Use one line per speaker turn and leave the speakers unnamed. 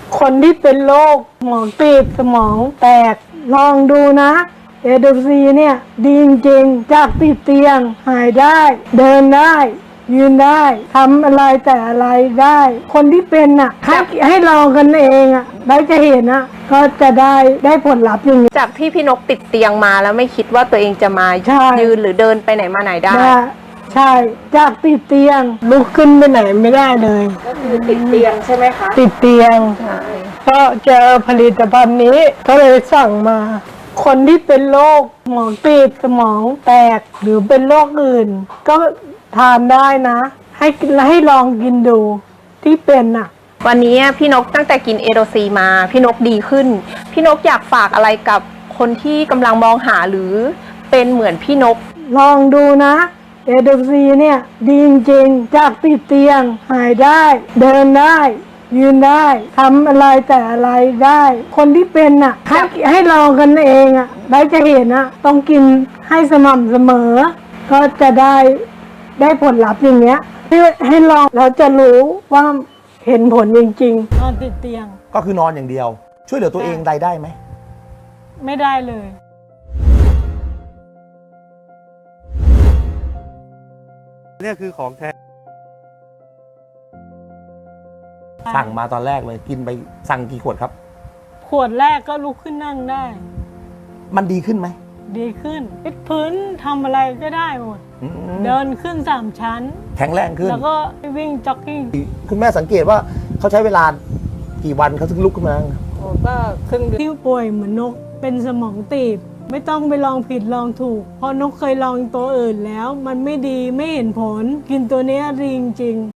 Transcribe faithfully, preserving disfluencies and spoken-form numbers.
คนที่เป็นโรคสมองตีบสมองแตกลองดูนะเอโดซีเนี่ยดีจริงๆจากติดเตียงหายได้เดินได้ยืนได้ทำอะไรแต่อะไรได้ คนที่เป็นอ่ะให้ให้ลองกันเองอ่ะได้จะเห็นอ่ะก็จะได้ได้ผลลัพธ์อย่างนี้
จากที่พี่นกติดเตียงมาแล้วไม่คิดว่าตัวเองจะมา
ใช่
ยืนหรือเดินไปไหนมาไหนได้
ได้ใช่จากติดเตียงลุกขึ้นไปไหนไม่ได้เลย
ก็คือติดเตียงใช่ไหมคะ
ติดเตียง
ใช่
ก็เจอผลิตภัณฑ์นี้ก็เลยสั่งมา คนที่เป็นโรคสมองตีบสมองแตกหรือเป็นโรคอื่น ก็ทานได้นะ ให้ให้ลองกินดูที่เป็นอ่ะ
วันนี้พี่นกตั้งแต่กินเอโดซีมาพี่นกดีขึ้น พี่นกอยากฝากอะไรกับคนที่กำลังมองหาหรือเป็นเหมือนพี่นก
ลองดูนะเอโดซีเนี่ยดีจริงๆจากติดเตียงหายได้เดินได้ยืนได้ทำอะไรแต่อะไรได้ คนที่เป็นอ่ะให้ให้ลองกันเองอ่ะได้จะเห็นอ่ะต้องกินให้สม่ำเสมอ ก็จะได้ได้ผลลัพธ์อย่างเงี้ยให้ให้ลองเราจะรู้ว่าเห็นผลจริงๆนอนติดเตียง
ก็คือนอนอย่างเดียว ช่วยเหลือตัวเองได้ได้ไหม
ไม่ได้เลย
เนี่ยคือของแท้
สั่งมาตอนแรกเลยกินไปสั่งกี่ขวดครับ
ขวดแรกก็ลุกขึ้นนั่งได้
มันดีขึ้นไหม
ดีขึ้นพิดพื้นทำอะไรก็ได้หมด
อืม
เดินขึ้นสามชั้น
แข็งแรงขึ้น
แล้วก็วิ่งจ็อกกิ้ง
คุณแม่สังเกตว่าเขาใช้เวลากี่วันเขาถึงลุกขึ้นมา
ก็ครึ่งเดือนที่ป่วยเหมือนนกเป็นสมองตีบ ไม่ต้องไปลองผิดลองถูก เพราะนกเคยลองตัวอื่นแล้ว มันไม่ดีไม่เห็นผล กินตัวเนี้ยดีจริงๆ